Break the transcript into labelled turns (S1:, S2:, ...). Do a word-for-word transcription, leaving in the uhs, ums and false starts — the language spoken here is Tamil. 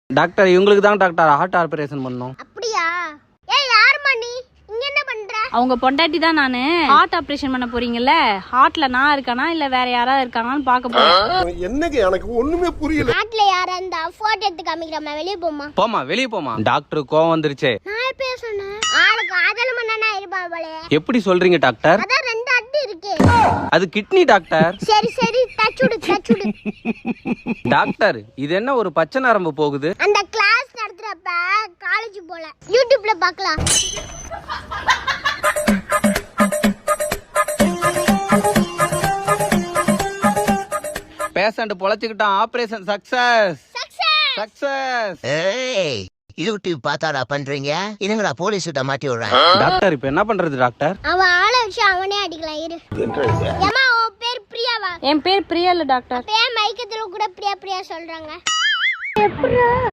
S1: டாக்டர் இவங்களுக்கு தான் டாக்டர் ஹார்ட் ஆபரேஷன் பண்ணோம்.
S2: அப்படியா? ஏய் யாரும்மா நீ? இங்க என்ன பண்ற?
S3: அவங்க பொண்டாட்டி தான் நானு. ஹார்ட் ஆபரேஷன் பண்ண போறீங்கல்ல, ஹார்ட்ல நான் இருக்கானா இல்ல வேற யாராவது இருக்காங்கன்னு பாக்க போறேன்.
S4: என்னங்க எனக்கு ஒண்ணுமே புரியல.
S2: நாட்டுல யாரா இருந்தா போட்டோ எடுத்து காமிக்கிறமா, வெளிய போமா.
S1: போமா வெளிய போமா. டாக்டர் கோவம் வந்துருச்சே.
S2: நான் எப்ப சொன்னேன்? ஆளுக்கு ஆதல மண்ணனா இருப்பா போல.
S1: எப்படி சொல்றீங்க டாக்டர்?
S2: அதான் ரெண்டு அடி இருக்கு.
S1: அது கிட்னி டாக்டர்.
S2: சரி சரி டச்சுடு டச்சுடு.
S1: டாக்டர் இது என்ன ஒரு பச்சை நரம்பு போகுது?
S2: அந்த கிளாஸ் நடத்துறப்ப காலேஜ் போல யூடியூப்ல பார்க்கலாம்.
S1: பேஷண்ட் பொழைச்சுக்கிட்டான். Operation success
S2: success
S1: success.
S5: ஏய் யூடியூப் பார்த்தாடா பண்றீங்க, இதுங்களா போலீஸ் கிட்ட மாட்டி விடுறேன்.
S1: டாக்டர் இப்போ என்ன பண்றது டாக்டர்?
S2: அவன் ஆளை வச்சு அவனே அடிக்கலாம் இரு. ஏமா உன் பேர் பிரியாவா?
S3: என் பேர் பிரியா இல்ல டாக்டர்.
S2: பேர் மைக்கத்துல கூட பிரியா பிரியா சொல்றாங்க.